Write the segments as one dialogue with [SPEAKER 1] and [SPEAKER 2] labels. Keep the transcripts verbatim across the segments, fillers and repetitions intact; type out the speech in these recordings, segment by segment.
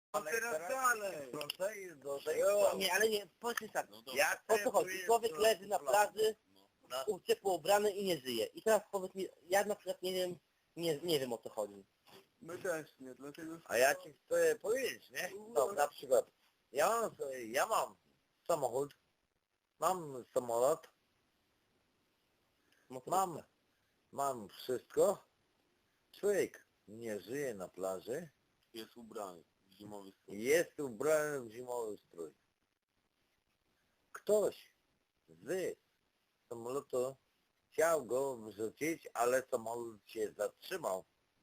[SPEAKER 1] Ale
[SPEAKER 2] teraz dalej.
[SPEAKER 1] Wracaj do tego.
[SPEAKER 3] Nie, ale nie, powiedz tak.
[SPEAKER 4] No dobra.
[SPEAKER 1] Jak
[SPEAKER 3] O co chodzi? Człowiek leży na plaży,
[SPEAKER 4] No.
[SPEAKER 3] u- ciepło ubrany i nie żyje. I teraz powiedz mi, ja na przykład nie wiem, nie, nie wiem o co chodzi.
[SPEAKER 2] My też nie, dlatego...
[SPEAKER 1] A ja ci chcę powiedzieć, nie? No, na przykład, ja mam, ja mam samochód, mam samolot, mam, mam wszystko. Człowiek nie żyje na plaży,
[SPEAKER 4] Jest ubrany w zimowy strój.
[SPEAKER 1] jest ubrany w zimowy strój. Ktoś z samolotu chciał go wrzucić, ale samolot się zatrzymał.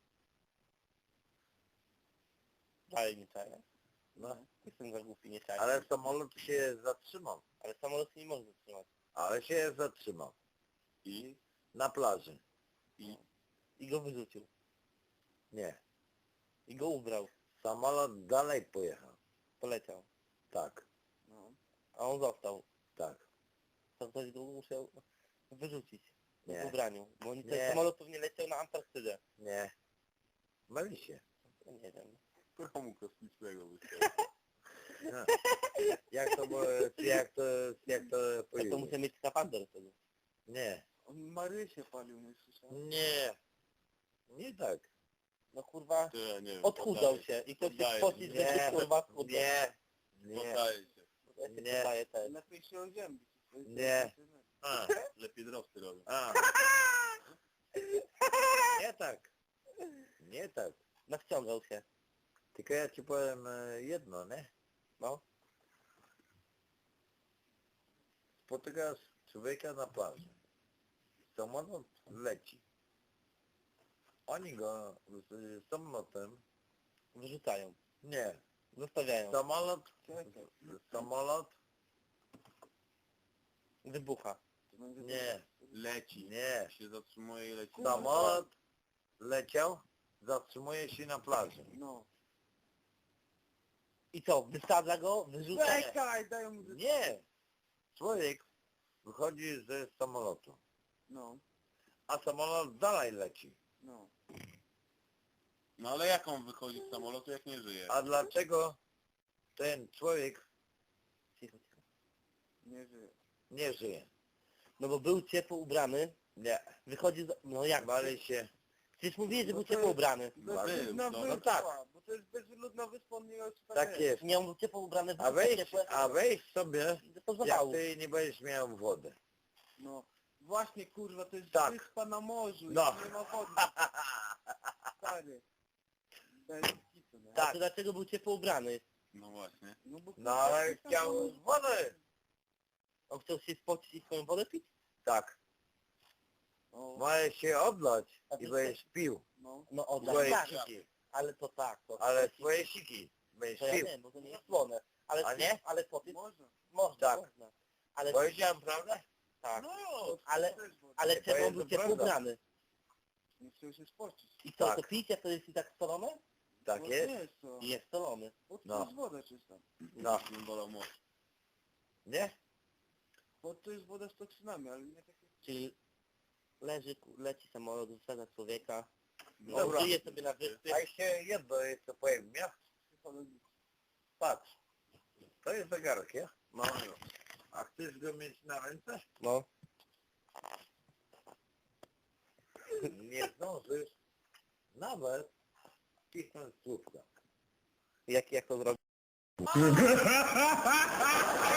[SPEAKER 3] Ale nie czaję.
[SPEAKER 1] No,
[SPEAKER 3] Jestem za głupi, nie czaję.
[SPEAKER 1] ale samolot się zatrzymał.
[SPEAKER 3] Ale samolot się nie może zatrzymać.
[SPEAKER 1] Ale się zatrzymał.
[SPEAKER 4] I?
[SPEAKER 1] Na plaży.
[SPEAKER 4] I?
[SPEAKER 3] I go wyrzucił.
[SPEAKER 1] Nie.
[SPEAKER 3] I go ubrał.
[SPEAKER 1] Samolot dalej pojechał.
[SPEAKER 3] Poleciał.
[SPEAKER 1] Tak,
[SPEAKER 3] No. A on został.
[SPEAKER 1] tak.
[SPEAKER 3] To ktoś go musiał wyrzucić.
[SPEAKER 1] Nie.
[SPEAKER 3] W ubraniu. Bo oni ten
[SPEAKER 1] Nie.
[SPEAKER 3] samolot pewnie leciał na Antarktydę.
[SPEAKER 1] Nie. Myli się.
[SPEAKER 3] Ja nie wiem.
[SPEAKER 4] Promu kosmicznego wystawił.
[SPEAKER 1] No. Jak to było, jak to, jak to
[SPEAKER 3] Jak to
[SPEAKER 1] powiedzieć?
[SPEAKER 3] muszę mieć skafander wtedy.
[SPEAKER 1] Nie.
[SPEAKER 2] On Marysię palił, nie słyszałem?
[SPEAKER 1] Nie. Nie tak.
[SPEAKER 3] No kurwa,
[SPEAKER 4] To ja nie wiem.
[SPEAKER 3] odchudzał
[SPEAKER 4] poddaję
[SPEAKER 3] się i ktoś się
[SPEAKER 4] Poddaję
[SPEAKER 3] spocić,
[SPEAKER 1] Nie.
[SPEAKER 3] że się kurwa schudał.
[SPEAKER 1] Nie. Nie.
[SPEAKER 4] Poddaję się.
[SPEAKER 3] Ja się
[SPEAKER 1] Nie.
[SPEAKER 3] poddaję też.
[SPEAKER 2] Lepiej się oziębić.
[SPEAKER 1] Nie. A.
[SPEAKER 4] Lepiej drosty robią.
[SPEAKER 1] A. Nie tak. Nie tak.
[SPEAKER 3] Nawciągał się.
[SPEAKER 1] Tylko ja ci powiem e, jedno, nie?
[SPEAKER 3] No.
[SPEAKER 1] Spotykasz człowieka na plaży. Samolot leci. Oni go z samolotem...
[SPEAKER 3] Wyrzucają.
[SPEAKER 1] Nie.
[SPEAKER 3] Zostawiają.
[SPEAKER 1] Samolot... Samolot...
[SPEAKER 3] Wybucha.
[SPEAKER 1] Nie.
[SPEAKER 4] Leci.
[SPEAKER 1] Nie.
[SPEAKER 4] Się zatrzymuje i leci.
[SPEAKER 1] Samolot leciał, zatrzymuje się na plaży.
[SPEAKER 2] No.
[SPEAKER 3] I co? Wysadza go? Wyrzuca?
[SPEAKER 2] Czekaj, daj mu...
[SPEAKER 1] Nie. Człowiek wychodzi ze samolotu,
[SPEAKER 2] No,
[SPEAKER 1] a samolot dalej leci.
[SPEAKER 2] no.
[SPEAKER 4] No ale jak on wychodzi z samolotu, jak nie żyje?
[SPEAKER 1] A dlaczego ten człowiek
[SPEAKER 3] Cicho, cicho.
[SPEAKER 2] Nie żyje.
[SPEAKER 1] nie żyje?
[SPEAKER 3] No bo był ciepło ubrany,
[SPEAKER 1] Nie.
[SPEAKER 3] wychodzi z... No jak?
[SPEAKER 1] Bali się.
[SPEAKER 3] Przecież mówiłeś, że
[SPEAKER 2] No
[SPEAKER 3] był
[SPEAKER 2] to
[SPEAKER 3] ciepło
[SPEAKER 2] jest-
[SPEAKER 3] ubrany.
[SPEAKER 2] Bezludna
[SPEAKER 4] no,
[SPEAKER 1] no
[SPEAKER 2] wyspa,
[SPEAKER 1] tak.
[SPEAKER 2] bo to jest bezludna wyspa, on nie wie, co tam
[SPEAKER 1] Tak jest.
[SPEAKER 3] Nie, on był ciepło ubrany,
[SPEAKER 1] A
[SPEAKER 3] był
[SPEAKER 1] weź,
[SPEAKER 3] ciepłe,
[SPEAKER 1] a weź sobie,
[SPEAKER 3] to
[SPEAKER 1] jak
[SPEAKER 3] zawału.
[SPEAKER 1] ty nie będziesz miał wody.
[SPEAKER 2] No. Właśnie, kurwa, to jest
[SPEAKER 1] Tak.
[SPEAKER 2] wyspa na morzu
[SPEAKER 1] No.
[SPEAKER 2] i nie ma wody. Stary. Bez kitu, nie?
[SPEAKER 3] A to dlaczego był ciepło ubrany?
[SPEAKER 4] No właśnie.
[SPEAKER 2] No, bo
[SPEAKER 1] No ale chciał wody.
[SPEAKER 3] On chciał się spocić i swoją wodę pić?
[SPEAKER 1] Tak.
[SPEAKER 2] O,
[SPEAKER 1] Możesz się odlać
[SPEAKER 3] A
[SPEAKER 1] i
[SPEAKER 3] ty
[SPEAKER 1] będziesz pił.
[SPEAKER 2] no.
[SPEAKER 3] No o,
[SPEAKER 1] Swoje
[SPEAKER 3] tak,
[SPEAKER 1] siki.
[SPEAKER 3] ale to tak. To,
[SPEAKER 1] Ale
[SPEAKER 3] to,
[SPEAKER 1] swoje siki będziesz
[SPEAKER 3] to ja
[SPEAKER 1] pił.
[SPEAKER 3] wiem, bo to nie jest słone. Ale,
[SPEAKER 1] A nie?
[SPEAKER 3] Ale co ty?
[SPEAKER 2] Można.
[SPEAKER 3] Można,
[SPEAKER 1] Tak.
[SPEAKER 3] można. Ale,
[SPEAKER 1] Powiedziałem prawdę?
[SPEAKER 3] tak.
[SPEAKER 2] No,
[SPEAKER 3] Ale-
[SPEAKER 2] to też woda.
[SPEAKER 3] Ale
[SPEAKER 1] To
[SPEAKER 3] czemu on
[SPEAKER 1] jest
[SPEAKER 3] był
[SPEAKER 1] to
[SPEAKER 3] ciepło
[SPEAKER 1] prawda.
[SPEAKER 3] ubrany?
[SPEAKER 2] Nie chciał się spocić.
[SPEAKER 3] I co,
[SPEAKER 1] Tak.
[SPEAKER 3] to pić, jak to jest i tak solone?
[SPEAKER 1] Tak
[SPEAKER 2] Bo
[SPEAKER 1] jest?
[SPEAKER 2] Nie jest to.
[SPEAKER 3] I jest solony.
[SPEAKER 2] Bo to
[SPEAKER 1] No.
[SPEAKER 2] jest woda czysta.
[SPEAKER 1] No.
[SPEAKER 4] Nie bolał most.
[SPEAKER 1] Nie?
[SPEAKER 2] Bo to jest woda z toksynami, ale nie takie...
[SPEAKER 3] Czyli leży, ku- leci samolot, wysadza człowieka,
[SPEAKER 4] No,
[SPEAKER 1] Dobra.
[SPEAKER 3] żyje sobie na wyspie.
[SPEAKER 1] A jeszcze jedno jeszcze powiem, nie? Patrz. To jest zegarek, ja?
[SPEAKER 3] No,
[SPEAKER 1] A chcesz go mieć na ręce?
[SPEAKER 3] no.
[SPEAKER 1] Nie zdążysz nawet pisnąć słówka.
[SPEAKER 3] Jak, jak to zrobić?